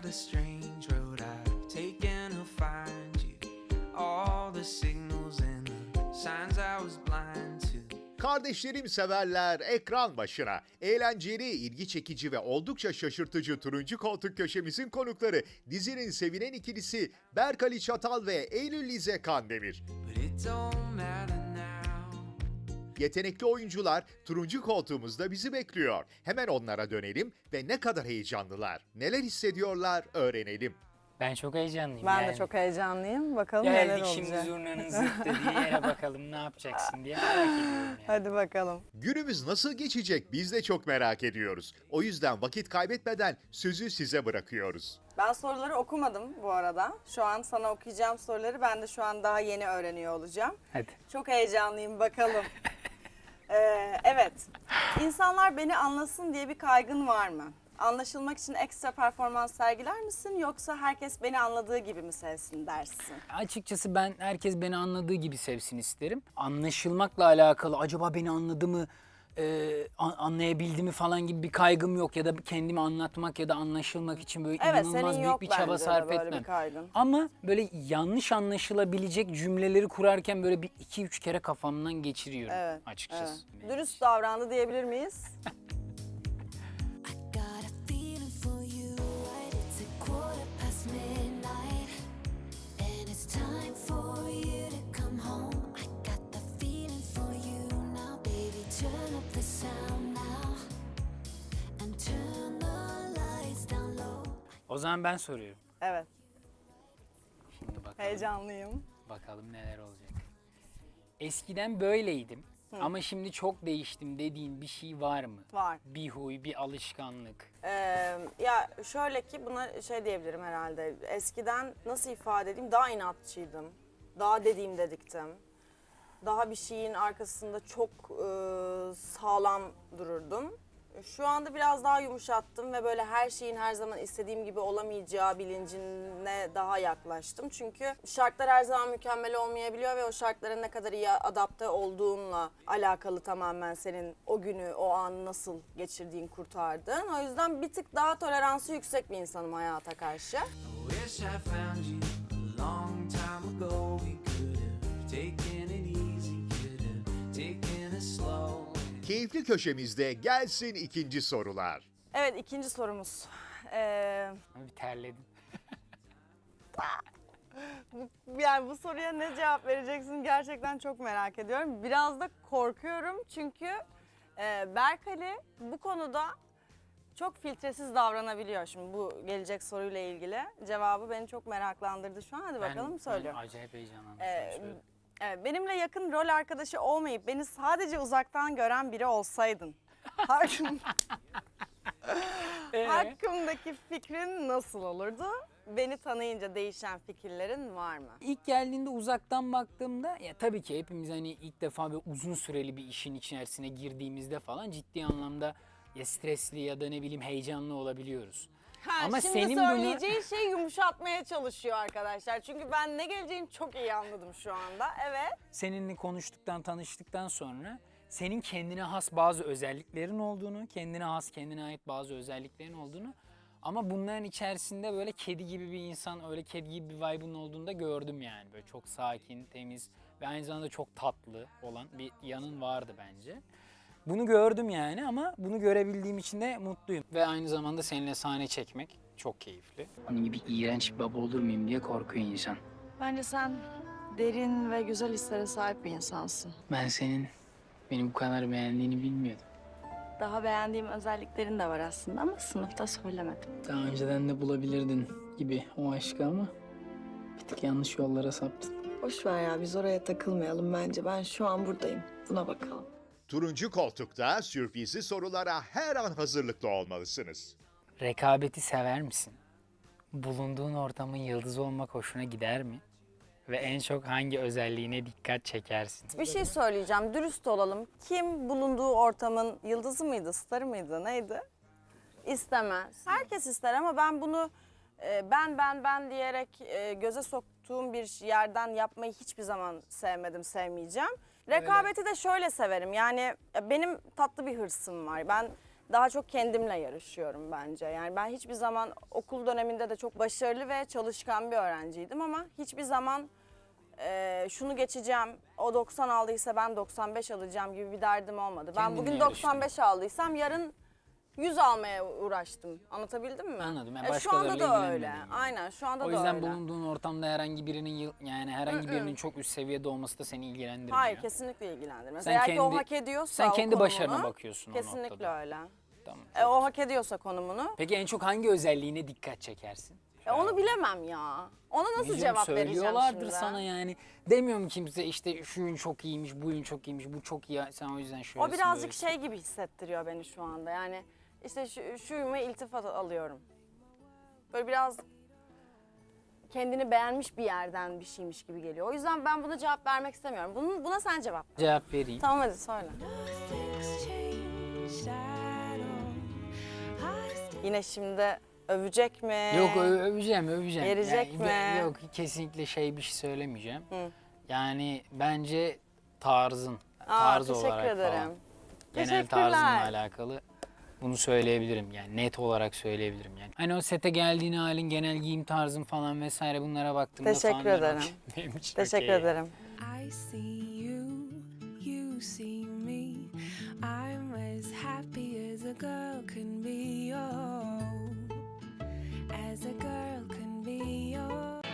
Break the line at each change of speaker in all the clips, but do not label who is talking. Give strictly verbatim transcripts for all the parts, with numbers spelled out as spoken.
a strange road I've taken to find you. All the signals and the signs I was blind to.
Kardeşlerim severler ekran başına. Eğlenceli, ilgi çekici ve oldukça şaşırtıcı Turuncu Koltuk köşemizin konukları dizinin sevilen ikilisi Berk Ali Çatal ve Eylül Lize Kandemir.
But it don't matter now.
Yetenekli oyuncular Turuncu Koltuğumuzda bizi bekliyor. Hemen onlara dönelim ve ne kadar heyecanlılar, neler hissediyorlar öğrenelim.
Ben çok heyecanlıyım
Ben
yani.
de çok heyecanlıyım. Bakalım neler
Geldik
olacak.
şimdi zurnanın zırt dediği yere bakalım ne yapacaksın diye merak ediyorum yani.
Hadi bakalım.
Günümüz nasıl geçecek biz de çok merak ediyoruz. O yüzden vakit kaybetmeden sözü size bırakıyoruz.
Ben soruları okumadım bu arada. Şu an sana okuyacağım soruları ben de şu an daha yeni öğreniyor olacağım.
Hadi.
Çok heyecanlıyım bakalım. ee, evet. İnsanlar beni anlasın diye bir kaygın var mı? Anlaşılmak için ekstra performans sergiler misin yoksa herkes beni anladığı gibi mi sevsin dersin?
Açıkçası ben herkes beni anladığı gibi sevsin isterim. Anlaşılmakla alakalı acaba beni anladı mı, e, an- anlayabildi mi falan gibi bir kaygım yok. Ya da kendimi anlatmak ya da anlaşılmak için böyle
Evet,
inanılmaz
senin
büyük
yok
bir çaba
bence de
sarf
böyle
etmem.
bir kaygın.
Ama böyle yanlış anlaşılabilecek cümleleri kurarken böyle bir iki üç kere kafamdan geçiriyorum
Evet.
açıkçası.
evet. Dürüst davrandı diyebilir miyiz?
Got a feeling for you, right? It's a quarter past midnight, and it's time for you to come home. I got the feeling for you now, baby. Turn up the sound now, and turn the lights down low.
O zaman ben soruyorum.
Evet.
Şimdi bakalım.
Heyecanlıyım.
Bakalım neler olacak. Eskiden böyleydim ama şimdi çok değiştim dediğin bir şey var mı?
Var.
Bir huy, bir alışkanlık.
Ee, ya şöyle ki buna şey diyebilirim herhalde. Eskiden nasıl ifade edeyim? Daha inatçıydım. Daha dediğim dediktim. Daha bir şeyin arkasında çok e, sağlam dururdum. Şu anda biraz daha yumuşattım ve böyle her şeyin her zaman istediğim gibi olamayacağı bilincine daha yaklaştım. Çünkü şartlar her zaman mükemmel olmayabiliyor ve o şartlara ne kadar iyi adapte olduğunla alakalı tamamen senin o günü, o anı nasıl geçirdiğin, kurtardığın. O yüzden bir tık daha toleransı yüksek bir insanım hayata karşı.
I wish I found you a long time ago. We could have taken it easy, could have taken it slow.
Keyifli köşemizde gelsin ikinci sorular.
Evet, ikinci sorumuz. Ee,
Bir terledim.
Yani bu soruya ne cevap vereceksin gerçekten çok merak ediyorum. Biraz da korkuyorum çünkü e, Berk Ali bu konuda çok filtresiz davranabiliyor. Şimdi bu gelecek soruyla ilgili cevabı beni çok meraklandırdı şu an. Hadi bakalım
Ben,
söylüyorum.
ben acayip heyecanlandım.
Ee,
Söyle.
evet, benimle yakın rol arkadaşı olmayıp beni sadece uzaktan gören biri olsaydın. Hakkım,
Ee?
hakkımdaki fikrin nasıl olurdu? Beni tanıyınca değişen fikirlerin var mı?
İlk geldiğinde uzaktan baktığımda ya tabii ki hepimiz hani ilk defa böyle uzun süreli bir işin içerisine girdiğimizde falan ciddi anlamda ya stresli ya da ne bileyim heyecanlı olabiliyoruz.
Ha,
Ama
şimdi
senin bunu-
söyleyeceğin şeyi yumuşatmaya çalışıyor arkadaşlar. Çünkü ben ne geleceğini çok iyi anladım şu anda. Evet.
Seninle konuştuktan, tanıştıktan sonra senin kendine has bazı özelliklerin olduğunu, kendine has, kendine ait bazı özelliklerin olduğunu ama bunların içerisinde böyle kedi gibi bir insan, öyle kedi gibi bir vibe'ın olduğunu da gördüm yani. Böyle çok sakin, temiz ve aynı zamanda çok tatlı olan bir yanın vardı bence. Bunu gördüm yani ama bunu görebildiğim için de mutluyum. Ve aynı zamanda seninle sahne çekmek çok keyifli. Onun gibi iğrenç bir baba olur muyum diye korkuyor insan.
Bence sen derin ve güzel hislere sahip bir insansın.
Ben senin beni bu kadar beğendiğini bilmiyordum.
Daha beğendiğim özelliklerin de var aslında ama sınıfta söylemedim.
Daha önceden de bulabilirdin gibi o aşkı ama bir tık yanlış yollara saptın.
Boş ver ya, biz oraya takılmayalım bence. Ben şu an buradayım. Buna bakalım.
Turuncu Koltuk'ta sürprizli sorulara her an hazırlıklı olmalısınız.
Rekabeti sever misin? Bulunduğun ortamın yıldızı olmak hoşuna gider mi? Ve en çok hangi özelliğine dikkat çekersin?
Bir şey söyleyeceğim. Dürüst olalım. Kim bulunduğu ortamın yıldızı mıydı, starı mıydı, neydi? İstemez. Herkes ister ama ben bunu e, ben ben ben diyerek e, göze soktuğum bir yerden yapmayı hiçbir zaman sevmedim, sevmeyeceğim. Rekabeti de şöyle severim. Yani e, benim tatlı bir hırsım var. Ben daha çok kendimle yarışıyorum bence. Yani ben hiçbir zaman okul döneminde de çok başarılı ve çalışkan bir öğrenciydim ama hiçbir zaman e, şunu geçeceğim, o doksan aldıysa ben doksan beş alacağım gibi bir derdim olmadı. Ben
Kendinle
bugün
yarıştın.
doksan beş aldıysam yarın yüz almaya uğraştım. Anlatabildim mi?
Anladım. Yani
E, şu
başkalarıyla
anda da
ilgilenmedin
öyle.
yani.
Aynen şu anda
O
da
yüzden
öyle.
bulunduğun ortamda herhangi birinin yıl- yani herhangi birinin çok üst seviyede olması da seni ilgilendirmiyor.
Hayır kesinlikle ilgilendirmez.
Sen
Eğer ki o
kendi-
hak ediyorsa
sen
o
kendi
konumunu,
başarına bakıyorsun o
kesinlikle
noktada.
öyle.
Tamam.
E, o hak ediyorsa konumunu.
Peki en çok hangi özelliğine dikkat çekersin?
E, onu bilemem ya. Ona nasıl
Diyeceğim,
cevap vereceğim
söylüyorlardır
şimdi?
sana yani. Demiyorum kimse işte şu ün çok iyiymiş, bu ün çok iyiymiş, bu çok iyi. Sen o yüzden şöylesin.
O birazcık
böylesin.
şey gibi hissettiriyor beni şu anda. Yani işte şu, şuyuma iltifat alıyorum. Böyle biraz kendini beğenmiş bir yerden bir şeymiş gibi geliyor. O yüzden ben buna cevap vermek istemiyorum. Bunun, buna sen cevap ver.
Cevap vereyim.
Tamam hadi söyle.
Nothing's changed at all. I still
Yine şimdi övecek mi?
Yok ö- öveceğim, öveceğim.
Verecek
Yani
mi?
ben- Yok kesinlikle şey bir şey söylemeyeceğim.
Hı.
Yani bence tarzın,
Aa,
tarz
teşekkür
olarak
ederim.
falan. Genel
Teşekkürler.
tarzınla alakalı bunu söyleyebilirim yani net olarak söyleyebilirim yani. Hani o sete geldiğin halin, genel giyim tarzın falan vesaire bunlara baktığımda
Teşekkür
falan ben
ederim.
okey- benim için
Teşekkür
okey.
ederim.
I see you, you see me. I'm as happy as a girl can be, oh, as a girl can be, oh.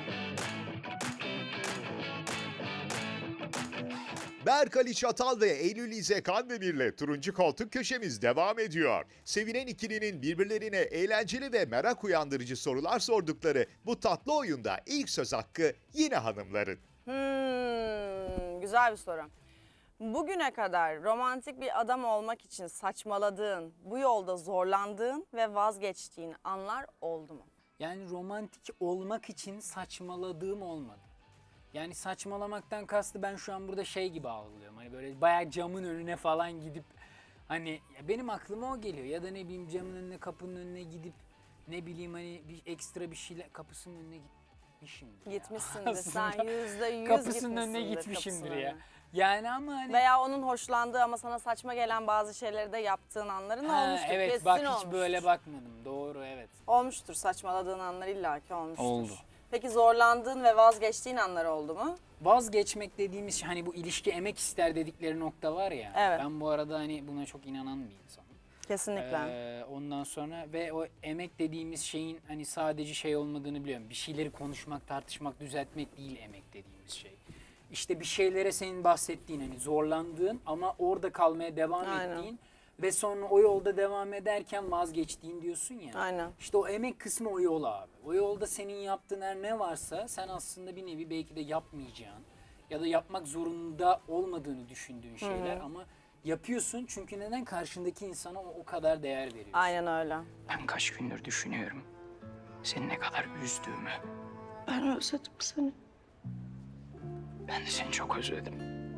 Berk Ali Çatal ve Eylül İze Kandemir'le turuncu koltuk köşemiz devam ediyor. Sevilen ikilinin birbirlerine eğlenceli ve merak uyandırıcı sorular sordukları bu tatlı oyunda ilk söz hakkı yine hanımların.
Hmm, güzel bir soru. Bugüne kadar romantik bir adam olmak için saçmaladığın, bu yolda zorlandığın ve vazgeçtiğin anlar oldu mu?
Yani romantik olmak için saçmaladığım olmadı. Yani saçmalamaktan kastı ben şu an burada şey gibi algılıyorum. Hani böyle bayağı camın önüne falan gidip hani ya benim aklıma o geliyor. Ya da ne bileyim camın önüne, kapının önüne gidip ne bileyim hani bir ekstra bir şeyle kapısının önüne gitmişimdir. ya.
Gitmişsindir. Sen
Aslında
yüzde yüz
kapısının önüne
gitmişsindir
gitmişimdir
kapısının
ya.
önüne.
Yani ama hani
Veya onun hoşlandığı ama sana saçma gelen bazı şeyleri de yaptığın anların
Ha,
olmuştur.
evet
Kesin
bak hiç
olmuştur.
böyle bakmadım. Doğru evet.
Olmuştur, saçmaladığın anlar illaki olmuştur.
Oldu.
Peki zorlandığın ve vazgeçtiğin anlar oldu mu?
Vazgeçmek dediğimiz şey, hani bu ilişki emek ister dedikleri nokta var ya.
Evet.
Ben bu arada hani buna çok inanan bir insanım.
Kesinlikle.
Ee, ondan sonra ve o emek dediğimiz şeyin hani sadece şey olmadığını biliyorum. Bir şeyleri konuşmak, tartışmak, düzeltmek değil emek dediğimiz şey. İşte bir şeylere senin bahsettiğin hani zorlandığın ama orada kalmaya devam
Aynen.
ettiğin ve sonra o yolda devam ederken vazgeçtiğin diyorsun ya.
Aynen.
İşte o emek kısmı o yol abi. O yolda senin yaptığın her ne varsa sen aslında bir nevi belki de yapmayacağın ya da yapmak zorunda olmadığını düşündüğün şeyler ama yapıyorsun çünkü neden? Karşındaki insana o, o kadar değer veriyorsun.
Aynen öyle.
Ben kaç gündür düşünüyorum seni ne kadar üzdüğümü.
Ben özledim seni.
Ben de seni çok özledim.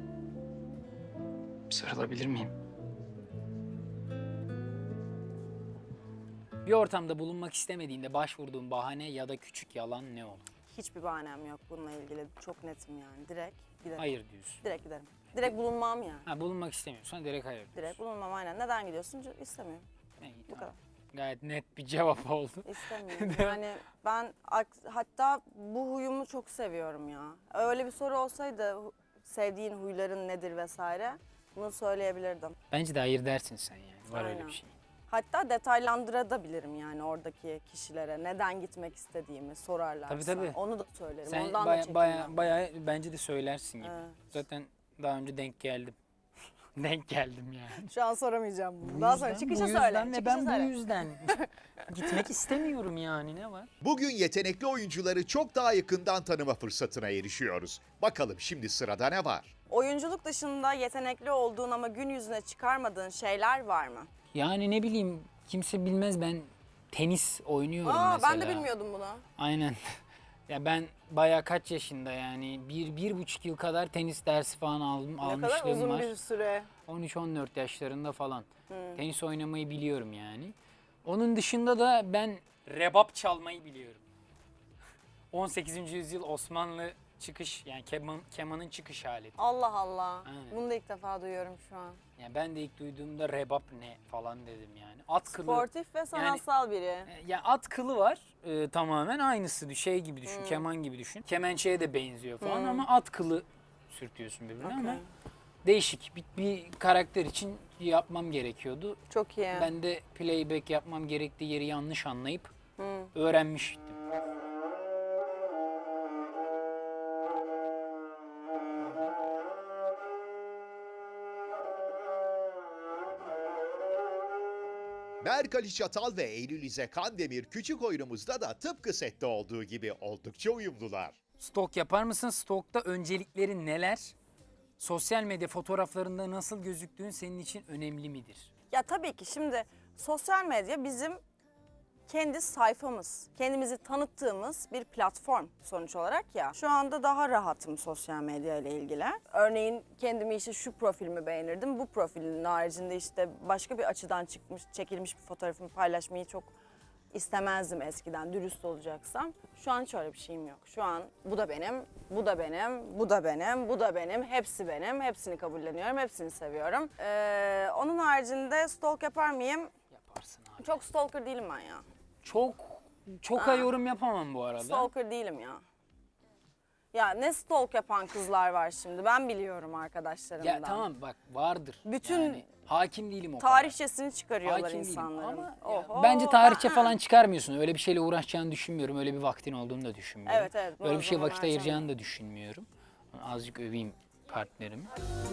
Sarılabilir miyim? Bir ortamda bulunmak istemediğinde başvurduğun bahane ya da küçük yalan ne olur?
Hiçbir bahanem yok bununla ilgili. Çok netim yani. Direkt giderim.
Hayır diyorsun.
Direkt giderim. Direkt bulunmam yani.
Ha, bulunmak istemiyorsan direkt hayır diyorsun.
Direkt bulunmam aynen. Neden gidiyorsun? C- İstemiyorum.
İyi,
Bu
tamam.
kadar.
Gayet net bir cevap oldu.
İstemiyorum. Yani ben ak- hatta bu huyumu çok seviyorum ya. Öyle bir soru olsaydı hu- sevdiğin huyların nedir vesaire bunu söyleyebilirdim.
Bence de hayır dersin sen yani. Var öyle
Aynen.
bir şey.
Hatta detaylandırabilirim yani oradaki kişilere neden gitmek istediğimi sorarlarsa.
Tabii, tabii.
Onu da söylerim.
Sen
Ondan da
baya,
çekinmem.
baya, baya bence de söylersin gibi.
Evet.
Zaten daha önce denk geldim. denk geldim yani.
Şu an soramayacağım bunu.
Bu
Daha
yüzden-
sonra çıkışa
bu yüzden
söyle.
ve
Çıkışa
ben
söyle.
bu yüzden gitmek istemiyorum yani ne var?
Bugün yetenekli oyuncuları çok daha yakından tanıma fırsatına erişiyoruz. Bakalım şimdi sırada ne var?
Oyunculuk dışında yetenekli olduğun ama gün yüzüne çıkarmadığın şeyler var mı?
Yani ne bileyim kimse bilmez ben tenis oynuyorum
Aa,
mesela.
ben de bilmiyordum bunu.
Aynen. Ya ben bayağı kaç yaşında yani bir, bir buçuk yıl kadar tenis dersi falan aldım,
Ne kadar
almışlığım
uzun
var.
bir süre.
on üç on dört yaşlarında falan. Tenis oynamayı biliyorum yani. Onun dışında da ben rebap çalmayı biliyorum. on sekizinci yüzyıl Osmanlı çıkış yani keman, kemanın çıkış aleti.
Allah Allah.
Aynen.
Bunu da ilk defa duyuyorum şu an.
Yani ben de ilk duyduğumda rebap ne falan dedim yani. At kılı.
Sportif ve sanatsal biri.
E, Yani at kılı var e, tamamen aynısı şey gibi
Hmm.
düşün, keman gibi düşün. Kemençeye de benziyor falan ama at kılı sürtüyorsun birbirine ama
Okey.
değişik bir, bir karakter için yapmam gerekiyordu.
Çok iyi.
Ben de playback yapmam gerektiği yeri yanlış anlayıp
Hmm.
öğrenmiştim.
Berk Ali Çatal ve Eylül İze Kandemir küçük oyunumuzda da tıpkı sette olduğu gibi oldukça uyumlular.
Stok yapar mısın? Stokta öncelikleri neler? Sosyal medya fotoğraflarında nasıl gözüktüğün senin için önemli midir?
Ya tabii ki şimdi sosyal medya bizim kendi sayfamız, kendimizi tanıttığımız bir platform sonuç olarak ya. Şu anda daha rahatım sosyal medya ile ilgili. Örneğin kendimi işte şu profilimi beğenirdim. Bu profilin haricinde işte başka bir açıdan çıkmış, çekilmiş bir fotoğrafımı paylaşmayı çok istemezdim eskiden, dürüst olacaksam. Şu an hiç öyle bir şeyim yok. Şu an bu da benim, bu da benim, bu da benim, bu da benim, hepsi benim. Hepsini kabulleniyorum, hepsini seviyorum. Ee, onun haricinde stalk yapar mıyım?
Yaparsın abi.
Çok stalker değilim ben ya.
Çok çok
Aa.
yorum yapamam bu arada.
Stalker değilim ya. Ya ne stalk yapan kızlar var şimdi, ben biliyorum arkadaşlarımdan.
Ya tamam bak vardır.
Bütün
yani, hakim değilim o kadar.
Tarihçesini çıkarıyorlar
Hakim değilim
insanların.
ama ya,
Oho,
bence tarihçe
aa.
falan çıkarmıyorsun. Öyle bir şeyle uğraşacağını düşünmüyorum. Öyle bir vaktin olduğunu da düşünmüyorum.
Evet, evet,
Öyle
o
bir şey
zaman
vakit ayıracağını
harcamam.
da düşünmüyorum. Azıcık öveyim partnerimi.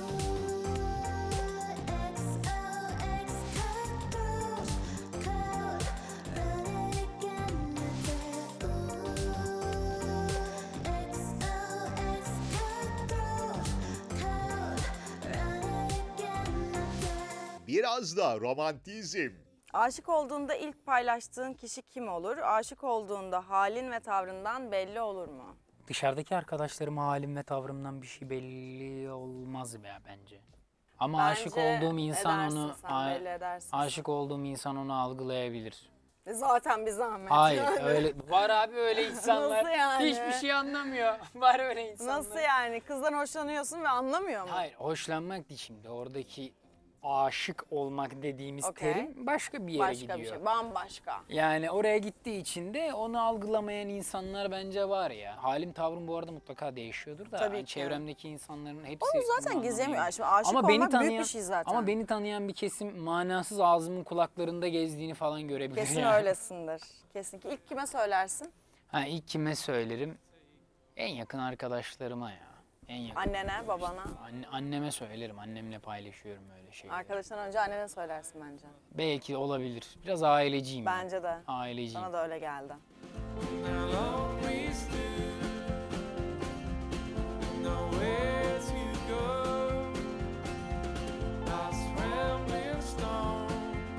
Biraz da romantizm.
Aşık olduğunda ilk paylaştığın kişi kim olur? Aşık olduğunda halin ve tavrından belli olur mu?
Dışarıdaki arkadaşlarıma halim ve tavrımdan bir şey belli olmaz ya bence. Ama
Bence
aşık olduğum insan
edersin
onu
sen,
a-
belli edersin.
aşık olduğum insan onu algılayabilir.
Zaten bir zahmet.
Hayır öyle var abi öyle insanlar.
Nasıl yani?
Hiçbir şey anlamıyor. Var öyle insanlar.
Nasıl yani? Kızdan hoşlanıyorsun ve anlamıyor mu?
Hayır hoşlanmak değil şimdi oradaki aşık olmak dediğimiz
Okey.
terim başka bir yere
Başka
gidiyor.
bir şey, bambaşka.
Yani oraya gittiği için de onu algılamayan insanlar bence var ya. Halim tavrım bu arada mutlaka değişiyordur da.
Tabii
hani
ki.
çevremdeki insanların hepsi
Onu zaten
bunu
gizlemiyor.
anlamıyor.
Şimdi aşık
Ama beni
olmak
tanıyan,
büyük bir şey zaten.
Ama beni tanıyan bir kesim manasız ağzımın kulaklarında gezdiğini falan görebilir.
Kesin
yani.
öylesindir. Kesinlikle. İlk kime söylersin?
Ha, ilk kime söylerim? En yakın arkadaşlarıma ya. En yakın.
Annene, babana.
Anne, anneme söylerim. Annemle paylaşıyorum öyle şeyleri.
Arkadaştan önce annene söylersin bence.
Belki olabilir. Biraz aileciyim. ben.
Bence de.
Aileciyim.
Bana da öyle geldi.
I'll always do. Nowhere to go. Lost rambling stone.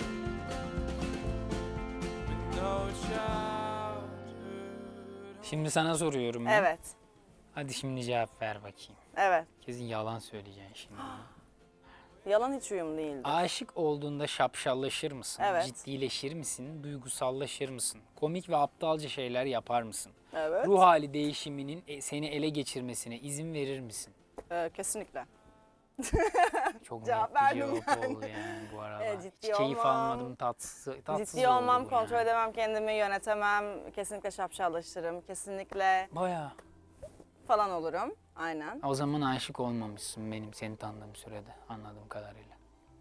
With no childhood.
Şimdi sana soruyorum ben.
Evet.
Hadi şimdi cevap ver bakayım.
Evet.
Kesin yalan söyleyeceksin şimdi.
Yalan hiç uyum değildi.
Aşık olduğunda şapşallaşır mısın?
Evet.
Ciddileşir misin? Duygusallaşır mısın? Komik ve aptalca şeyler yapar mısın?
Evet.
Ruh hali değişiminin e- seni ele geçirmesine izin verir misin?
Ee, kesinlikle.
Çok
Cevap
net bir
verdim
cevap
yani.
oldu yani bu arada.
Evet, ciddi
Hiç keyif
olmam.
almadım, tatsız, tatsız
Ciddi
oldu
olmam,
bu
kontrol
yani.
edemem kendimi, yönetemem. Kesinlikle şapşallaşırım. Kesinlikle
Bayağı.
falan olurum. Aynen.
O zaman aşık olmamışsın benim seni tanıdığım sürede anladığım kadarıyla.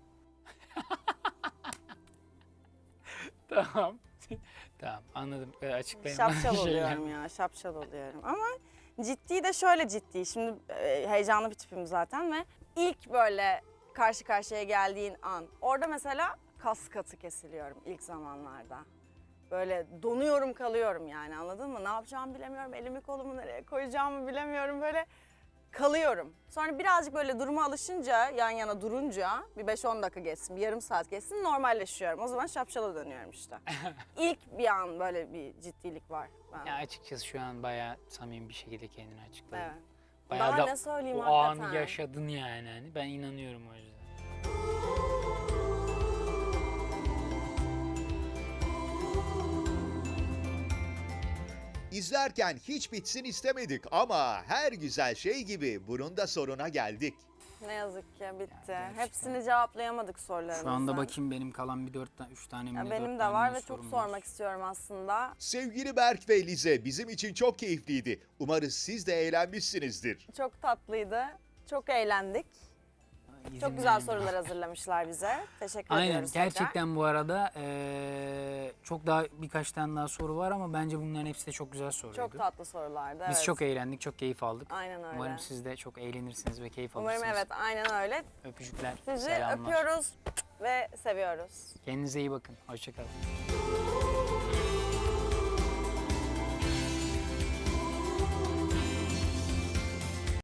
Tamam. Tamam anladım. Ee, Açıklayayım.
Şapşal
Şeyler.
oluyorum ya, şapşal oluyorum. Ama ciddi de şöyle ciddi. Şimdi e, heyecanlı bir tipim zaten ve ilk böyle karşı karşıya geldiğin an. Orada mesela kas katı kesiliyorum ilk zamanlarda. Böyle donuyorum kalıyorum yani, anladın mı? Ne yapacağımı bilemiyorum, elimi kolumu nereye koyacağımı bilemiyorum, böyle kalıyorum. Sonra birazcık böyle duruma alışınca, yan yana durunca bir beş on dakika geçsin, bir yarım saat geçsin, normalleşiyorum. O zaman şapşala dönüyorum işte. İlk bir an böyle bir ciddilik var. Ben.
Ya açıkçası şu an bayağı samimi bir şekilde kendini açıkladın.
Evet.
Bayağı
Daha
da
ne söyleyeyim
o
hakikaten.
anı yaşadın yani. Hani ben inanıyorum o yüzden.
İzlerken hiç bitsin istemedik ama her güzel şey gibi bunun da sonuna geldik.
Ne yazık ki bitti. Hepsini cevaplayamadık sorularımızdan.
Şu anda bakayım benim kalan bir dört tane, üç tane mi
Ya
ne,
benim
dört
de
tane
var
mi
ve çok
sorum var.
sormak istiyorum aslında.
Sevgili Berk ve Lize, bizim için çok keyifliydi. Umarız siz de eğlenmişsinizdir.
Çok tatlıydı. Çok eğlendik.
İzin
Çok güzel
verin.
sorular hazırlamışlar bize. Teşekkür
Aynen,
ediyoruz tekrar.
gerçekten bu arada eee, çok daha birkaç tane daha soru var ama bence bunların hepsi de çok güzel soruydu.
Çok tatlı sorulardı.
Biz
evet.
çok eğlendik, çok keyif aldık.
Aynen öyle.
Umarım siz de çok eğlenirsiniz ve keyif
Umarım
alırsınız.
evet aynen öyle.
Öpücükler,
Sizi
selamlar.
öpüyoruz ve seviyoruz.
Kendinize iyi bakın. Hoşçakalın.